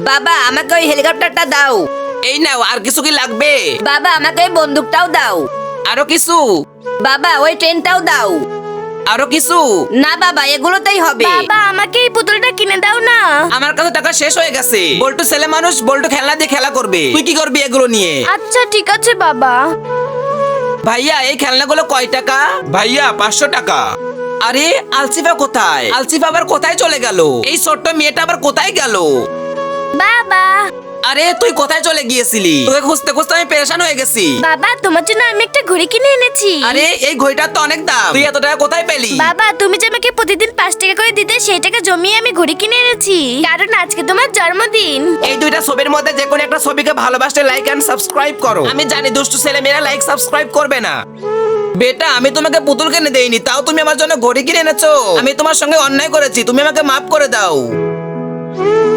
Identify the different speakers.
Speaker 1: বাবা আমাকে ওই হেলিকপ্টারটা দাও।
Speaker 2: এই নাও, আর কিছু কি লাগবে?
Speaker 1: বাবা আমাকে ওই বন্দুকটাও দাও।
Speaker 2: আরো কিছু?
Speaker 1: বাবা ওই ট্রেনটাও দাও।
Speaker 2: আরো কিছু?
Speaker 1: না বাবা এগুলোতেই হবে।
Speaker 3: বাবা আমাকে এই পুতুলটা কিনে দাও না।
Speaker 2: আমার কাছে টাকা শেষ হয়ে গেছে। বল্টু ছেলে মানুষ, বল্টু খেলনা দিয়ে খেলা করবে। তুই কি করবি এগুলো নিয়ে?
Speaker 3: আচ্ছা ঠিক আছে বাবা।
Speaker 2: ভাইয়া এই খেলনাগুলো কয় টাকা?
Speaker 4: ভাইয়া 500 টাকা।
Speaker 2: আরে আলসিফা কোথায়? আলসিফা আবার কোথায় চলে গেল? এই ছোট্ট মেয়েটা আবার কোথায় গেল?
Speaker 3: বাবা
Speaker 2: আরে তুই কোথায় চলে গিয়েছিলি? তোকে খুঁজতে খুঁজতে আমি পেরেশান হয়ে গেছি।
Speaker 3: বাবা তোমার জন্য আমি একটা ঘড়ি কিনে এনেছি।
Speaker 2: আরে এই ঘড়িটার তো অনেক দাম, তুই এত টাকা কোথায় পেলি?
Speaker 3: বাবা তুমি যে আমাকে প্রতিদিন 5 টাকা করে দিতে, সেই টাকা জমিয়ে আমি ঘড়ি কিনে এনেছি, কারণ আজকে তোমার জন্মদিন।
Speaker 2: এই দুইটা ছবির মধ্যে যে কোনো একটা ছবিকে ভালোবাসতে লাইক এন্ড সাবস্ক্রাইব করো। আমি জানি দুষ্টু ছেলে মেয়েরা লাইক সাবস্ক্রাইব করবে না। বেটা আমি তোমাকে পুতুল কিনে দেইনি, তাও তুমি আমার জন্য ঘড়ি কিনে এনেছো। আমি তোমার সঙ্গে অন্যায় করেছি, তুমি আমাকে মাফ করে দাও।